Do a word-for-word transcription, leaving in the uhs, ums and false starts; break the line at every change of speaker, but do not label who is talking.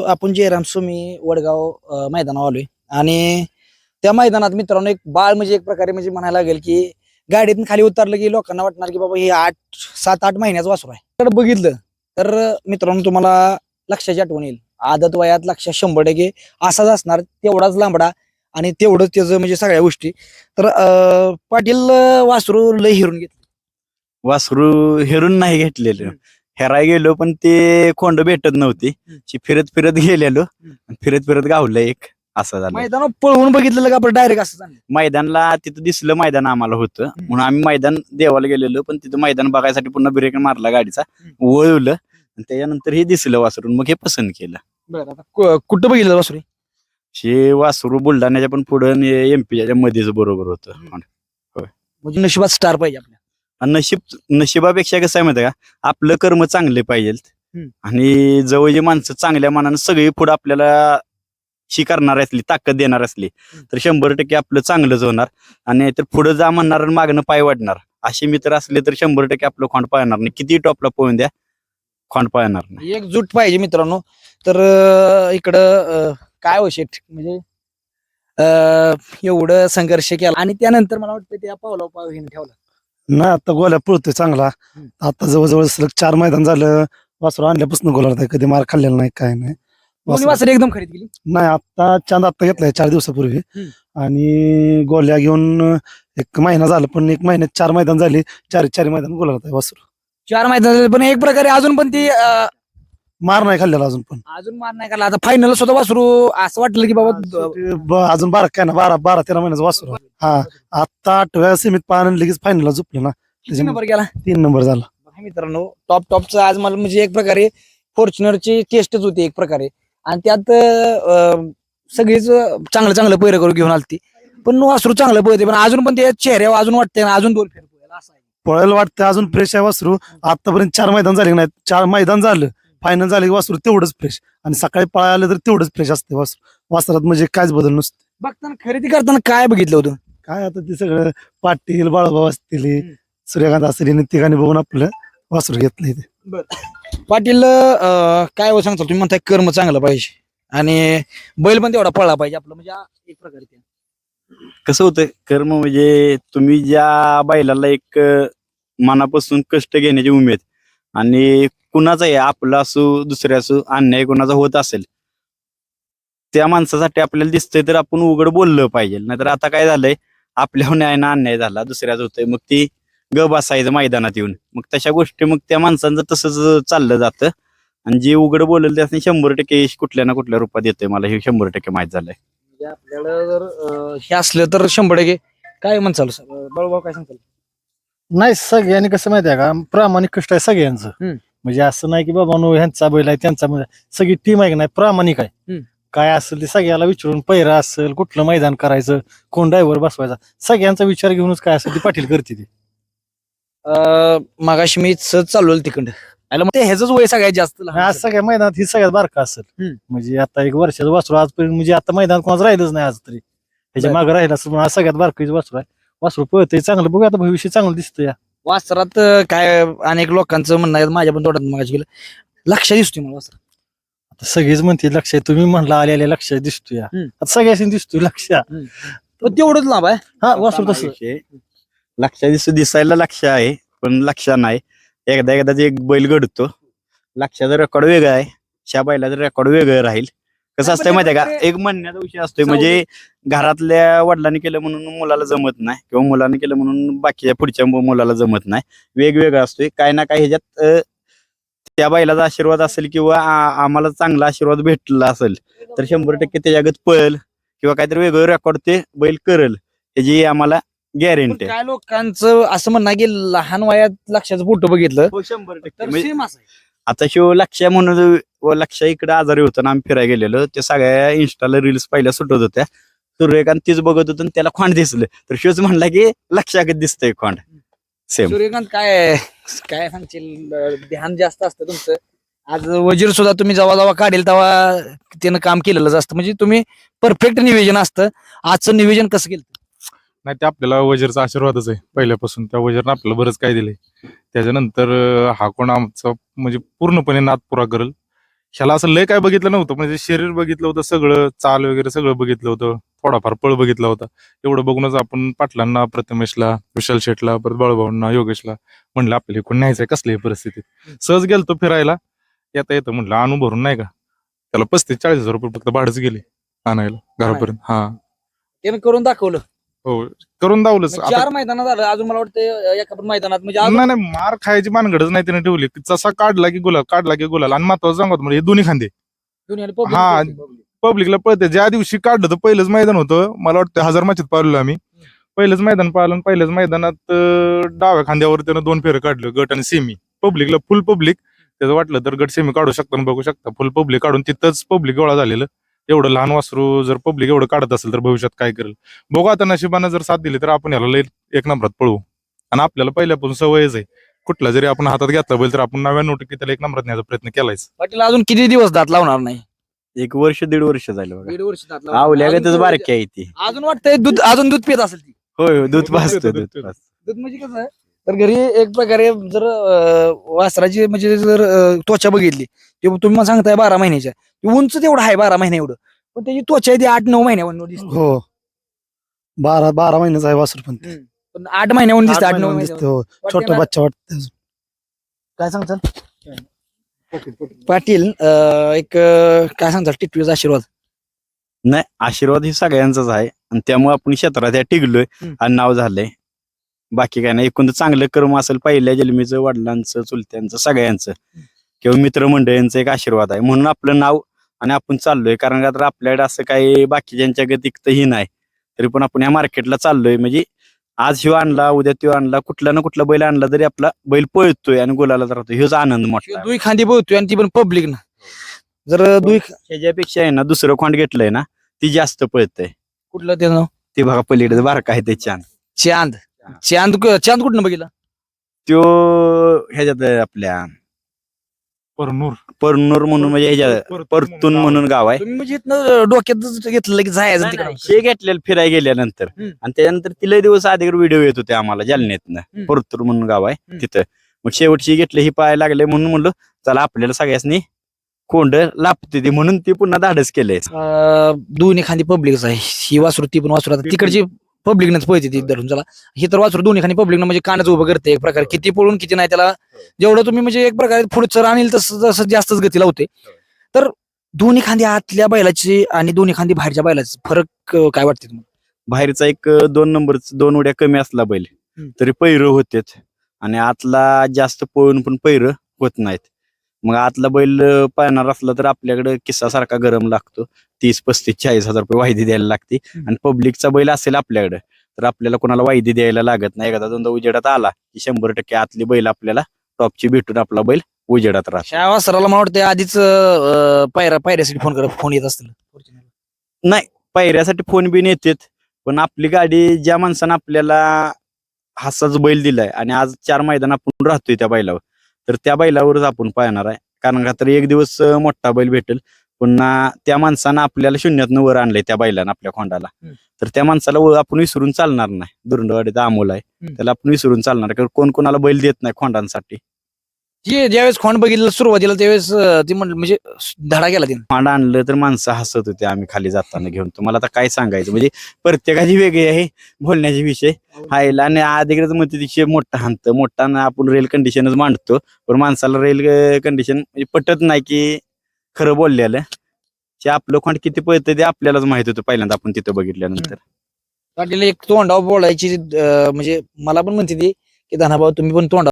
आपण जयराम सुमी वडगाव अ, मैदानावर आलोय आणि त्या मैदानात मित्रांनो एक बाळ म्हणजे एक प्रकारे म्हणजे म्हणायला लागेल की गाडीतून खाली उतरलं की लोकांना वाटणार की बाबा हे आठ सात आठ महिन्याचं वासरू आहे. तर बघितलं तर मित्रांनो तुम्हाला लक्षाची आठवण येईल. आदत वयात लक्ष शंभर टक्के असाच असणार, तेवढाच लांबडा आणि तेवढंच त्याचं म्हणजे सगळ्या गोष्टी. तर अं, पाटील अं, वासरू लय हिरून घेतलं.
वासरू हेरून नाही घेतलेलं.
हम्म.
हेराय गेलो पण ते खोंड भेटत नव्हती.
हम्म.
ची फिरत फिरत गेलेलो
हम्म.
आणि फिरत फिरत गावलं एक असं झालं.
मैदानावर पळवून बघितलं का आपण डायरेक्ट असं झालं.
मैदानला तिथं दिसलं मैदान आम्हाला होतं म्हणून आम्ही मैदान देवाला गेलेलो, पण तिथं मैदान बघायसाठी पुन्हा ब्रेक मारला गाडीचा, वळवलं आणि त्याच्यानंतर हे दिसलं वासरून, मग हे पसंत केलं.
बरं आता कु- कुठं बघितलं वासरू?
हे वासरू बुलढाण्याच्या पण पुढं एमपीच्या मध्येच बरोबर होतं.
म्हणजे नशिबात स्टार पाहिजे आपल्या.
आणि नशीब नशिबापेक्षा कसं आहे माहिती आहे का, आपलं कर्म चांगले पाहिजेत
हम्म.
आणि जवळची माणसं चांगल्या मनानं सगळी पुढे आपल्याला शी करणार असली, ताकद देणार असली तर शंभर टक्के आपलं चांगलंच होणार. आणि तर पुढे जा म्हणणार आणि मागणं पाय वाढणार असे मित्र असले तर शंभर टक्के आपलं खोंड पाळणार नाही. किती टॉपला पोहून द्या, खोंड पाळणार नाही.
एकजूट पाहिजे मित्रांनो. तर अं, इकडं अं, काय हो शेठ म्हणजे अं, एवढं संघर्ष केला आणि त्यानंतर मला वाटतं त्या पावला पाव हिने ठेवला.
नाही आता गोल्या पळतोय चांगला.
हम्म.
आता जवळजवळ सलग चार मैदान झालं वासरू आणल्यापासून गोला कधी मार खाल्लेला नाही, काय नाही.
दोन्ही
वासरू-
वासरे एकदम खरेदी केली.
नाही आता चांद आता घेतलाय चार दिवसापूर्वी.
हम्म.
आणि गोल्या घेऊन एक महिना झाला, पण एक महिन्यात चार मैदान झाली, चार चार मैदान गोला वासरू.
चार मैदान झाले, पण एक प्रकारे अजून पण ती अं,
मार नाही खाल्लेला अजून पण.
अजून मार नाही काढला. आता फायनल सुद्धा वासरू असं वाटलं की बाबा
शेवटी ब- अजून बारा काय ना बारा बारा तेरा महिन्याचा वासरू. हा आता आठव्या सीमित पाहणं लगेच फायनलला झोपलं ना,
किती नंबर गेला.
तीन नंबर झाला.
बघा मित्रांनो टॉप टॉपचं आज मला म्हणजे एक प्रकारे फॉर्च्युनरची टेस्टच होती एक प्रकारे. आणि त्यात अं, सगळीच चांगलं चांगलं पैर करून घेऊन आलती, पण वासरू चांगलं पळते, पण अजून पण त्या चेहऱ्यावर अजून वाटतंय ना अजून दोन फेर पळेल असं आहे.
पळायला वाटतं अजून फ्रेश आहे वासरू. आतापर्यंत चार मैदान झाले नाही, चार मैदान झालं फायनल झाले की वासरू तेवढंच फ्रेश, आणि सकाळी पळायला तर तेवढंच फ्रेश असते वासरू. वासरात म्हणजे कायच बदल नसते.
बघताना खरेदी करताना काय बघितलं होतं?
काय आता ते सगळं पाटील बाळाभाऊ असतील,
हम्म.
सूर्यकांत असतील, तिघांनी बघून आपलं वासरू घेतलंय ते.
पाटील अं, काय हो सांगता तुम्ही म्हणताय कर्म चांगलं पाहिजे आणि बैल पण तेवढा पळला पाहिजे आपलं, म्हणजे एक प्रकारे ते.
कसं होतं कर्म म्हणजे तुम्ही ज्या बैलाला एक अं, मनापासून कष्ट घेण्याची उमेद, आणि कुणाचा आहे आपला असो दुसऱ्या असो अन्याय कुणाचा होत असेल त्या माणसासाठी आपल्याला दिसतंय तर आपण उघड बोललं पाहिजे. नाहीतर आता काय झालंय, आपल्या न्यायानं अन्याय झाला दुसऱ्याच होतोय, मग ती ग बसायचं मैदानात येऊन, मग तशा गोष्टी मग त्या माणसांचं तसंच चाललं जातं. आणि जे उघड बोललं त्याने शंभर टक्के यश कुठल्या ना कुठल्या रूपात येतोय, मला हे शंभर टक्के माहित झालंय.
म्हणजे आपल्याला जर अं, हे असलं तर शंभर टक्के काय म्हणचाल बळभाऊ काय सांगताल?
नाही सगळ्यांनी कसं माहितीये का, प्रामाणिक कष्ट आहे सगळ्यांचं.
हम्म.
म्हणजे असं नाही की बाबा नो ह्यांचा बैल आहे त्यांचा बैल आहे. सगळी टीम आहे की नाही प्रामाणिक आहे.
हम्म.
काय असेल ते सगळ्याला विचारून पैरा असेल, कुठलं मैदान करायचं, कोण ड्रायव्हर बसवायचा, सगळ्यांचा विचार घेऊनच काय असेल ते पाटील करते ते.
अं, मगाशी मी सहज चालवलं तिकडं आलं, मग ते ह्याच वय सगळ्यात जास्त लहान
आज सगळ्या मैदानात ही सगळ्यात बारका असेल.
हम्म.
म्हणजे आता एक वर्षाचं वासरू आजपर्यंत म्हणजे आता मैदानात कोणाच राहिलंच नाही आज तरी, त्याच्या
बरं.
मागे राहिलं असं आज सगळ्यात बारकाईचं वासरू आहे. वासरू पळतंय चांगलं, बघू आता भविष्य चांगलं दिसतं या
वासरात अं, काय अनेक लोकांचं म्हणणं आहे, माझ्या पण तोंडात मगाशी गेलं, लक्ष दिसतोय मला वासरात.
आता सगळेच म्हणते लक्ष आहे, तुम्ही म्हणला आले आले लक्ष दिसतोय या.
हम्म.
आता सगळ्याशी दिसतोय लक्ष.
पण तेवढंच लाभ आहे.
हा वासरू तसं
विषय लक्ष दिसू दिसायला लक्ष आहे पण लक्ष नाही. एकदा एकदा ते एक बैल घडतो, लक्षाचा रेकॉर्ड वेगळा आहे, शा बैलाचं रेकॉर्ड वेगळं राहील. कसं असतंय माहितीये का, एक म्हणण्याचा विषय असतोय, म्हणजे घरातल्या वडिलांनी केलं म्हणून मुलाला जमत नाही, किंवा मुलाने केलं म्हणून बाकीच्या पुढच्या मु- मुलाला जमत नाही. वेगवेगळं असतोय काय ना काय ह्याच्यात. अं, त्या बैलाचा आशीर्वाद असेल किंवा आ- आम्हाला चांगला आशीर्वाद भेटला असेल तर शंभर टक्के त्याच्यागत पळेल किंवा काहीतरी वेगळं रेकॉर्ड ते बैल करेल, ह्याची आम्हाला
पण
गॅरंटी आहे.
काय लोकांचं असं म्हणणं आहे की लहान वयात लक्षाचं फोटो बघितलं
हो, शंभर टक्के.
तर
म्हणजे
सेम असं आहे.
आता शिव लक्ष म्हणून व लक्ष इकडे आजारी होतं ना, आम्ही फिरायला गेलेलो, ते सगळ्या इन्स्टाला रील्स पहिल्या सुटत होत्या, सूर्यकांत तीच बघत होतं आणि त्याला खोंड दिसलं, तर शिवच म्हणला की लक्षागत दिसतंय खोंड सेम.
सूर्यकांत काय काय सांगशील, अं, ध्यान जास्त असतं तुमचं. आज वजीर सुद्धा तुम्ही जेव्हा जेव्हा काढेल तेव्हा त्यानं काम केलेलंच असतं, म्हणजे तुम्ही परफेक्ट नियोजन असतं. आजचं नियोजन कसं केलं?
नाही ते आपल्याला वजीरचा आशीर्वादच आहे पहिल्यापासून, त्या वजीरनं आपल्याला बरंच काय दिलंय. त्याच्यानंतर अं, हा कोण आमचा म्हणजे पूर्णपणे नाद पुरा करेल ह्याला असं लय काय बघितलं नव्हतं, म्हणजे शरीर बघितलं होतं सगळं, चाल वगैरे सगळं बघितलं होतं, थोडाफार पळ बघितला होता. एवढं बघूनच आपण पाटलांना, प्रथमेशला, विशाल शेटला, परत बाळूभाऊंना, योगेशला म्हणलं आपल्याला कोण न्यायचंय कसल्याही परिस्थितीत. सहज गेलतो फिरायला, येता येतं म्हणलं आणू भरून नाही का, त्याला पस्तीस चाळीस हजार रुपये फक्त भाडंच गेले आणायला घरापर्यंत. हा
त्यानं करून दाखवलं.
हो, करून दावलंच.
म्हणजे चार मैदानात झालं, अजून मला वाटतं एका पण मैदानात म्हणजे अजून-
नाही नाही, मार खायची भानगडच नाही त्याने ठेवली. जसा काढला की गुलाल, काढला की गुलाल. आणि महत्वाचं सांगतो म्हणजे हे दोन्ही खांदे
दुनियाला public
हा.
public.
पब्लिकला पळते. ज्या दिवशी काढलं तर पहिलंच मैदान होतं, मला वाटतं हजार माचीत पाहिलं आम्ही. पहिलंच मैदान पाहिलं आणि पहिल्याच मैदानात अं, डाव्या खांद्यावर त्यानं दोन फेरं काढलं, गट आणि सेमी. पब्लिकला फुल पब्लिक, त्याचं वाटलं तर गट सेमी काढू शकता बघू शकता. फुल पब्लिक काढून तिथंच पब्लिक गोळा झालेलं. एवढं लहान वासरू जर पब्लिक एवढं काढत असेल तर भविष्यात काय करेल बघू. आता नशिबानं जर साथ दिली तर आपण याला लई एक नंबरात पळवू. आणि आपल्याला पहिल्यापासून सवयच आहे, कुठला जरी आपण हातात घेतला बैल तर आपण नव्याण्णव टक्के त्याला एक नंबरात न्यायचा प्रयत्न केलायच.
पाटील अजून किती दिवस दात लावणार नाही?
एक वर्ष दीड वर्ष झालं बघा.
दीड वर्ष दात लावणार.
आवल्यागतच
अजून-
बारकी आहे ती.
अजून वाटतंय दूध, अजून दूध पित असेल ती.
होय होय, दूध
दूध
पाजतो
पितं,
दूध
दूध
पाजतो.
दूध म्हणजे कसं आहे, तर घरी एक प्रकारे जर अं, वासराची म्हणजे जर अं, त्वचा बघितली, ते तुम्ही मला सांगताय बारा महिन्याच्या, ती उंच तेवढं आहे बारा महिने एवढं, पण त्याची त्वचा आहे ती आठ नऊ महिन्यावर दिसते.
हो बारा बारा महिन्याचा आहे वासरू पण ते.
पण आठ महिन्याहून दिसते, आठ
आठ
नऊ
महिन्याहून
महिन्यावर.
दिसते, हो.
वाटते
छोटा
ना?
बच्चा वाटत.
काय सांगतात पाटील? अं, एक अं, काय सांगतात टिटवीचा आशीर्वाद?
नाही, आशीर्वाद ही सगळ्यांचाच आहे आणि त्यामुळे आपण क्षेत्रात या टिकलोय
हम्म.
आणि नाव झालंय. बाकी काय नाही, एकूण तर चांगलं कर्म असेल पहिल्या जन्मीचं, वडिलांचं, चुलत्यांचं, सगळ्यांचं किंवा मित्रमंडळींचं एक आशीर्वाद आहे म्हणून आपलं नाव आणि आपण चाललोय. कारण का तर आपल्याकडे असं काही बाकीच्यांच्या गतिकतही नाही, तरी पण आपण या मार्केटला चाललोय. म्हणजे आज ह्यो आणला, उद्या त्यो आणला, कुठला ना कुठला बैल आणला तरी आपला बैल पळतोय आणि गुलाला राहतोय, ह्योच आनंद मोठा आहे.
दुई खांदी बोलतोय आणि ती पण पब्लिक ना. जर दुई
ह्याच्यापेक्षा आहे ना दुसरं खोंड घेतलंय ना ती जास्त पळतंय.
कुठलं ते नाव?
ते बघा पलीकडे बारका आहे ते छान.
चांद. चांद चांद कुठनं बघितलं?
त्यो ह्याच्यात आहे आपल्या
परनूर
परनूर म्हणून म्हणजे ह्याच्यात परतून म्हणून गाव आहे.
तुम्ही म्हणजे इथनं डोक्यात घेतलं की जायचं तिकडे.
शे घेतलेलं फिरायला गेल्यानंतर
हम्म.
आणि त्याच्यानंतर तिला दिवस आधी व्हिडिओ येत होते आम्हाला जालन्यातनं.
हम्म.
परतूर म्हणून गाव आहे
हम्म.
तिथं. मग शेवटची घेतली ही पाहायला लागले म्हणून म्हणलं चला आपल्याला सगळ्यांनी कोंड लाभते ती म्हणून ती पुन्हा धाडस केलंय.
अं, दोन्ही खांदी पब्लिकच आहे ही वासरू, ती पण वासरू. आता तिकडची पब्लिकनच पळते ती धरून चला. ही तर वासरू दोन्ही खांदी पब्लिक म्हणजे कानच उभं करते एक प्रकारे. किती पळून किती नाही त्याला जेवढं तुम्ही म्हणजे एक प्रकारे पुढचं आणील तसं तसं जास्तच गती लावते. तर दोन्ही खांदी आतल्या बैलाची आणि दोन्ही खांदी बाहेरच्या बैलाची फरक अं, काय वाटते तुम्हाला?
बाहेरचा एक अं, दोन नंबर दोन उड्या कमी असला बैल
हम्म.
तरी पैर होतेच आणि आतला जास्त पळून पण पैर होत नाहीत. मग आतला बैल अं, पाळणार असला तर आपल्याकडे किस्सा सारखा गरम लागतो. तीस पस्तीस चाळीस हजार रुपये वायदी द्यायला लागते. आणि पब्लिकचा बैल असेल आपल्याकडे तर आपल्याला कोणाला वायदी द्यायला लागत नाही. एकदा दोनदा उजेडात आला की शंभर टक्के आतली बैल आपल्याला टॉपची भेटून आपला बैल उजेडात राहतो.
ह्या वासराला मला वाटतं आधीच अं, पायऱ्या पायऱ्यासाठी फोन करत फोन येत असतील.
नाही, पायऱ्यासाठी फोन बिन येतात पण आपली गाडी ज्या माणसानं आपल्याला हासाच बैल दिलाय आणि आज चार मैदान आपण राहतोय त्या बैलावर तर त्या बैलावरच आपण पाहणार आहे. कारण का तर एक दिवस अं, मोठा बैल भेटेल, पुन्हा त्या माणसानं आपल्याला शून्यातनं वर आणलंय त्या बैलानं आपल्या खोंडाला,
हम्म.
तर त्या माणसाला व- आपण विसरून चालणार नाही. दुरंडवाडीचा अमोल आहे,
हम्म.
त्याला आपण विसरून चालणार नाही. कारण कोण कोणाला बैल देत नाही खोंडांसाठी.
जे ज्यावेळेस खोंड बघितलं सुरुवातीला त्यावेळेस अं, ती म्हण- म्हणजे धडा गेला तिने.
खोंड आणलं तर माणसं हसत होते आम्ही खाली जाताना घेऊन. तुम्हाला आता काय सांगायचं, म्हणजे प्रत्येकाची वेगळी आहे बोलण्याचे विषय हायला. आणि अधिकृत म्हणते विषय मोठा हाणतं मोठा ना आपण रेल कंडिशनच मांडतो, पण माणसाला रेल कंडिशन म्हणजे पटत नाही की खरं बोललेलं. ते आपलं खोंड किती पळतं ते आपल्यालाच माहित होतं पहिल्यांदा आपण तिथं बघितल्यानंतर.
पाटील एक तोंडावर बोलायची अं, म्हणजे मला पण म्हणते ती की धनाभाऊ तुम्ही पण तोंडा